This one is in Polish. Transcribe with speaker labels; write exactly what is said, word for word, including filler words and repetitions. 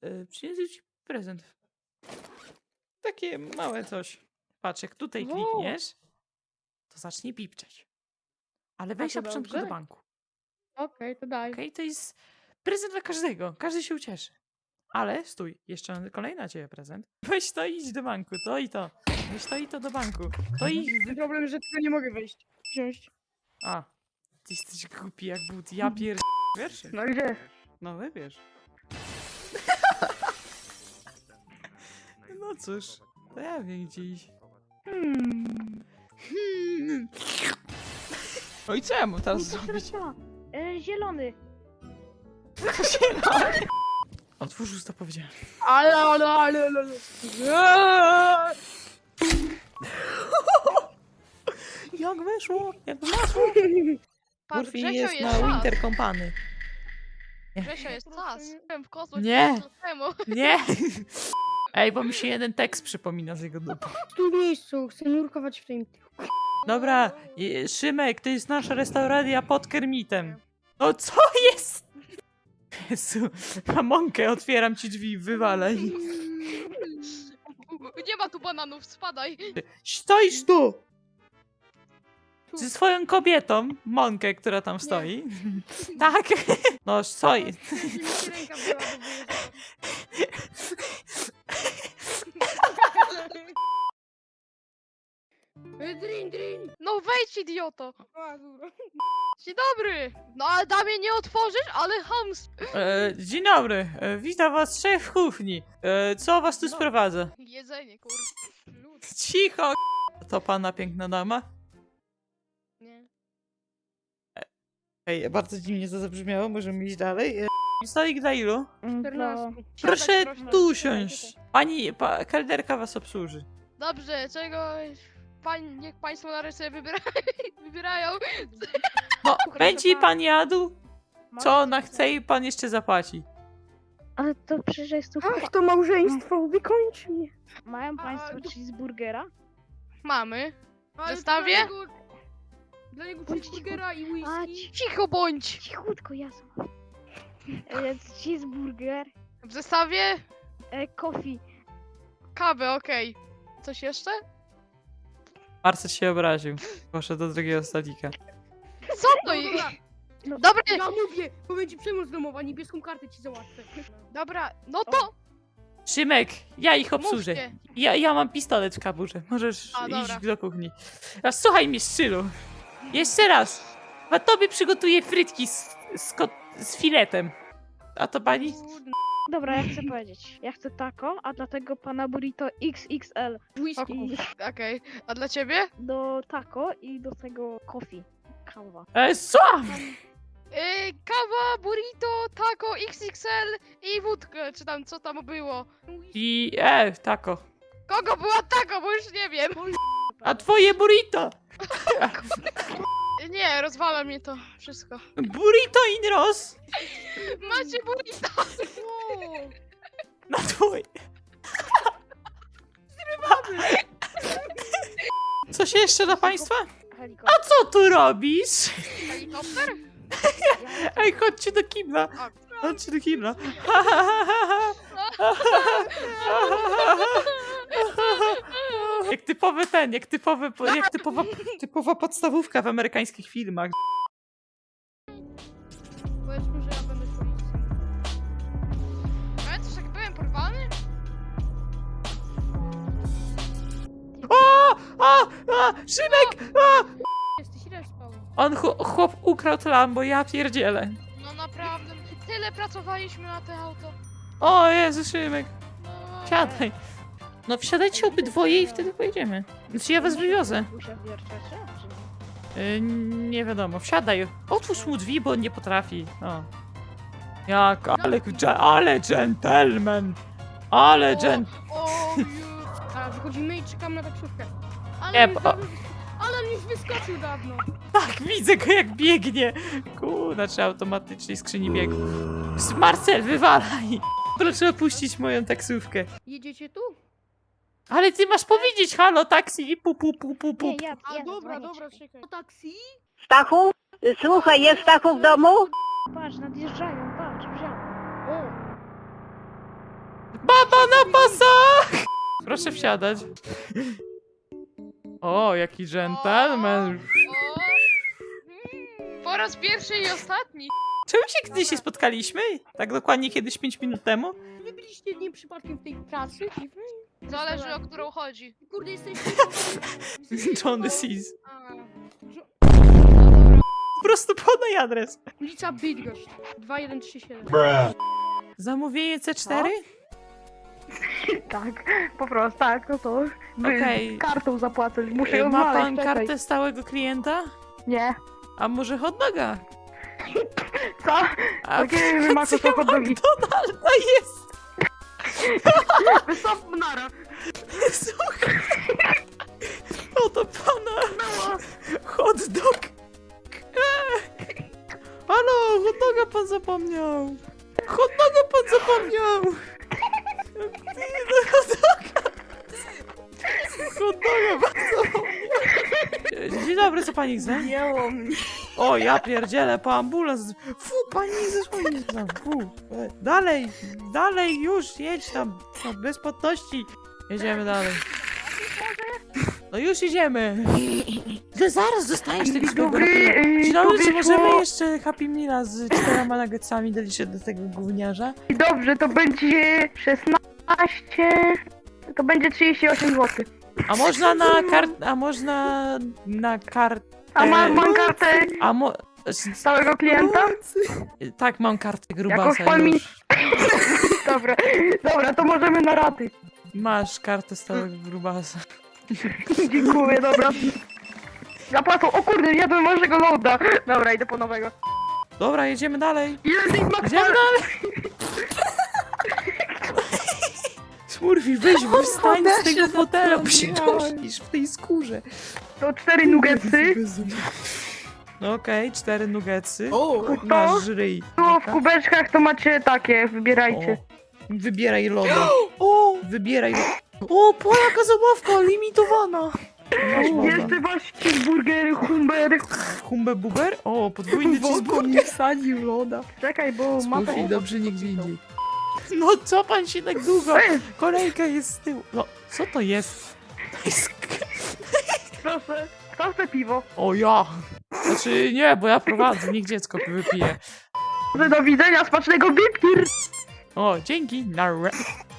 Speaker 1: y, przyniosę ci prezent. Takie małe coś. Patrz, jak tutaj
Speaker 2: Wow.
Speaker 1: klikniesz, to zacznie pipczeć. Ale wejdź
Speaker 2: to
Speaker 1: na początku do
Speaker 2: dobrze?
Speaker 1: banku.
Speaker 2: Okej, to daj.
Speaker 1: Okej, to jest prezent dla każdego. Każdy się ucieszy. Ale stój, jeszcze mam kolejny na ciebie prezent. Weź to i idź do banku, to i to. Weź to i to do banku. To i... wy-
Speaker 2: Problem, że tylko nie mogę wejść. Wziąć.
Speaker 1: A, ty jesteś głupi jak but. Ja pier... Wierszy.
Speaker 2: No gdzie?
Speaker 1: No wybierz. No cóż, to ja wiem gdzieś.
Speaker 2: Hmm.
Speaker 1: Hmm. No i co ja mam teraz
Speaker 3: Nie, to
Speaker 1: zrobić?
Speaker 3: teraz ja. E, zielony.
Speaker 1: Otwórz usta, powiedziałem.
Speaker 2: Ale, ale, ale, ale.
Speaker 1: Jak weszło? Jak weszło?
Speaker 4: Pan
Speaker 1: Murphy
Speaker 4: Grzesio
Speaker 1: jest
Speaker 4: jest
Speaker 1: na
Speaker 4: czas.
Speaker 1: Winter Company.
Speaker 4: Grzesio jest czas. Byłem w kosmos
Speaker 1: Nie.
Speaker 4: temu.
Speaker 1: Nie! Ej, bo mi się jeden tekst przypomina z jego dupy.
Speaker 2: Tu w miejscu, chcę nurkować w tym.
Speaker 1: Dobra, je- Szymek, to jest nasza restauracja pod Kermitem. No co jest? Jezu, mamonkę, otwieram ci drzwi, wywalaj.
Speaker 4: Nie ma tu bananów, spadaj.
Speaker 1: Stoisz tu! Ze swoją kobietą, Monkę, która tam stoi. Tak. No, stoi.
Speaker 2: Ręka była do wyjeżdżania. Drin, drin.
Speaker 4: No wejdź, idioto.
Speaker 2: A, dobra.
Speaker 4: Dzień dobry. No ale damie nie otworzysz, ale hams.
Speaker 1: E, dzień dobry, e, witam was szef w kuchni. E, co was tu sprowadza?
Speaker 4: Jedzenie, kur... Lud.
Speaker 1: Cicho! To pana piękna dama?
Speaker 4: Nie.
Speaker 1: Ej, bardzo dziwnie to zabrzmiało, możemy iść dalej. E, stolik dla ilu?
Speaker 2: czternaście.
Speaker 1: Proszę
Speaker 4: Siadać, proszę.
Speaker 1: tu usiąść. Pani, pa, kelnerka was obsłuży.
Speaker 4: Dobrze, czego... Pań, niech państwo na rysy wybiera... wybierają.
Speaker 1: No, będzie pan jadł, co ona chce i pan jeszcze zapłaci.
Speaker 3: Ale to przecież jest tu...
Speaker 2: Ach, to małżeństwo, wykończy mnie.
Speaker 3: Mają państwo
Speaker 2: A,
Speaker 3: cheeseburgera?
Speaker 4: Mamy.
Speaker 2: Ale
Speaker 4: Zestawie?
Speaker 2: Dla niego, dla niego
Speaker 3: Bądź
Speaker 2: cheeseburgera i
Speaker 3: A,
Speaker 2: whisky.
Speaker 3: ci-
Speaker 4: Cicho bądź.
Speaker 3: cichutko, jasno. Jest cheeseburger,
Speaker 4: W zestawie
Speaker 3: e, coffee.
Speaker 4: kawę, okej. Coś jeszcze?
Speaker 1: Marcel się obraził. Poszedł do drugiego stolika.
Speaker 4: Co to
Speaker 2: No,
Speaker 4: jest?
Speaker 2: dobra,
Speaker 3: No,
Speaker 4: Dobra,
Speaker 2: ja mówię, bo będzie przemoc domowa, niebieską kartę ci załatwę.
Speaker 4: dobra, no to
Speaker 1: Szymek, ja ich obsłużę.
Speaker 4: mówcie.
Speaker 1: Ja, ja mam pistolet w kaburze. Możesz
Speaker 4: A,
Speaker 1: iść
Speaker 4: dobra.
Speaker 1: do kuchni. A słuchaj mnie, Szczylu. Jeszcze raz. A tobie przygotuję frytki z, z, ko- z filetem. A to pani?
Speaker 3: Dobra, ja chcę powiedzieć. Ja chcę taco, a dlatego pana burrito X X L.
Speaker 2: Whisky.
Speaker 3: I
Speaker 4: Okej, a dla ciebie?
Speaker 3: do taco i do tego coffee. Kawa.
Speaker 1: E, co?
Speaker 4: Yy, kawa, burrito, taco, X X L i wódkę, czy tam co tam było.
Speaker 1: I e, tako.
Speaker 4: Kogo była taco, bo już nie wiem.
Speaker 1: A twoje burrito?
Speaker 4: Nie, rozwala mnie to wszystko.
Speaker 1: Burrito in Ross?
Speaker 4: Macie burrito!
Speaker 2: O,
Speaker 1: Na twoje. Coś jeszcze dla państwa?
Speaker 3: Helikopter.
Speaker 1: A co tu robisz?
Speaker 4: Helikopter?
Speaker 1: Ej, chodźcie do kibla.
Speaker 4: A.
Speaker 1: Chodźcie do kibla. Jak typowy ten, jak typowy, jak typowa, typowa podstawówka w amerykańskich filmach.
Speaker 2: powiedzmy, że ja będę policją.
Speaker 4: Pamiętasz jak byłem porwany?
Speaker 1: O! A! A! Szymek! A!
Speaker 2: Jesteś ile spał?
Speaker 1: On ch- chłop ukradł Lambo, ja pierdzielę.
Speaker 4: No naprawdę, tyle pracowaliśmy na to auto.
Speaker 1: O Jezu, Szymek,
Speaker 4: No,
Speaker 1: siadaj. No wsiadajcie obydwoje i wtedy pojedziemy. Znaczy ja was wywiozę.
Speaker 3: Usia wierczacie, czy nie?
Speaker 1: Yy, nie wiadomo, wsiadaj. Otwórz mu drzwi, bo on nie potrafi. O. Jak, ale, dże- ale gentleman. Ale
Speaker 4: O,
Speaker 1: gent...
Speaker 4: O, ju.
Speaker 2: A wychodzimy i czekamy na taksówkę. Ale,
Speaker 1: Nie,
Speaker 2: już,
Speaker 1: bo-
Speaker 2: ale on już wyskoczył dawno.
Speaker 1: Tak, widzę go jak biegnie. Kurna, czy automatycznej skrzyni biegu. Marcel, wywalaj. Proszę opuścić moją taksówkę.
Speaker 2: Jedziecie tu?
Speaker 1: Ale ty masz powiedzieć halo, taksi i pu pu pu pu pu.
Speaker 3: Nie, ja,
Speaker 2: A
Speaker 3: ja
Speaker 2: dobra,
Speaker 3: dzwonię,
Speaker 2: dobra,
Speaker 3: czekaj.
Speaker 2: czekaj. O taksi?
Speaker 5: Stachu? Słuchaj, jest Stachu w domu?
Speaker 3: Patrz, nadjeżdżają, patrz, wziąłem.
Speaker 2: O,
Speaker 1: Baba na pasach! Proszę wsiadać. O, jaki dżentelmen.
Speaker 4: O! Mm, Po raz pierwszy i ostatni.
Speaker 1: Czemu się kiedyś się spotkaliśmy? Tak dokładnie kiedyś pięć minut temu?
Speaker 2: Wy byliście nie przypadkiem w tej pracy dziwnej?
Speaker 4: Zależy, o którą chodzi.
Speaker 2: Kurde, jesteście...
Speaker 1: Johnny Seas.
Speaker 4: A.
Speaker 1: Po prostu podaj adres.
Speaker 2: Ulica Bydgoszcz, dwa jeden trzy siedem.
Speaker 1: Zamówienie C cztery?
Speaker 3: Tak, po prostu, tak, no to wy-
Speaker 1: Okej.
Speaker 3: kartą zapłacę, muszę ją
Speaker 1: Ma
Speaker 3: znaleźć,
Speaker 1: pan
Speaker 3: czekaj.
Speaker 1: kartę stałego klienta?
Speaker 3: Nie.
Speaker 1: A może hot doga?
Speaker 3: Co?
Speaker 1: A
Speaker 3: Jakie wy macie to hot dogi?
Speaker 1: McDonalda jest!
Speaker 3: Wysop nara.
Speaker 1: Słuchaj. Oto pana hot dog. Eee. Halo, hot doga pan zapomniał. Hot doga pan zapomniał. Hot doga. Hot doga pan zapomniał. Dzień dobry, co pani chce?
Speaker 3: Jęło mnie.
Speaker 1: O, ja pierdzielę, po ambulans. Fu, pani zesłoni tam. Fu. E, Dalej, dalej, już, jedź tam. tam bez płatności. Jedziemy dalej. No już idziemy. No zaraz dostaniesz tego
Speaker 3: Dzień
Speaker 1: swojego
Speaker 3: dobry,
Speaker 1: Happy Meala.
Speaker 3: yy,
Speaker 1: Dzień dobry,
Speaker 3: to
Speaker 1: czy
Speaker 3: wyszło-
Speaker 1: możemy jeszcze Happy Meala z czterema nuggetsami doliczyć do tego gówniarza?
Speaker 3: Dobrze, to będzie szesnaście... To będzie trzydzieści osiem złotych.
Speaker 1: A można na kart... A można na kart...
Speaker 3: A mam, mam kartę
Speaker 1: A mo...
Speaker 3: stałego klienta?
Speaker 1: Tak, mam kartę
Speaker 3: Jako
Speaker 1: grubasa
Speaker 3: fami-
Speaker 1: już.
Speaker 3: Dobra, dobra, to możemy na raty.
Speaker 1: Masz kartę stałego grubasa.
Speaker 3: Dziękuję, dobra. Zapłacą, o kurde, jadłem waszego loada. Dobra, idę po nowego.
Speaker 1: Dobra, jedziemy dalej.
Speaker 3: Ile Big Mac
Speaker 1: Idziemy dalej. Smurfi, weź, wstań z tego fotela, bo się dusisz w tej skórze.
Speaker 3: To cztery nuggetsy.
Speaker 1: No okej, cztery nuggetsy.
Speaker 3: To
Speaker 1: Masz żryj.
Speaker 3: było w kubeczkach, to macie takie, wybierajcie.
Speaker 1: O, wybieraj loda. O, wybieraj loda. O, po jaka zabawka, limitowana. Masz loda.
Speaker 3: Jeszcze masz cheeseburgery, humbery.
Speaker 1: Humbe buber? O, podwójny cheeseburger.
Speaker 3: wsadził loda. Czekaj, bo mapę...
Speaker 1: Smurfi, dobrze nie gwindzi. No co pan się tak długo?
Speaker 3: Ej,
Speaker 1: Kolejka jest z tyłu. No, co to jest? To jest...
Speaker 3: proszę, kto chce piwo?
Speaker 1: O ja! Znaczy nie, bo ja prowadzę, niech dziecko wypije.
Speaker 3: Do widzenia, smacznego bipir!
Speaker 1: O, dzięki! Narra.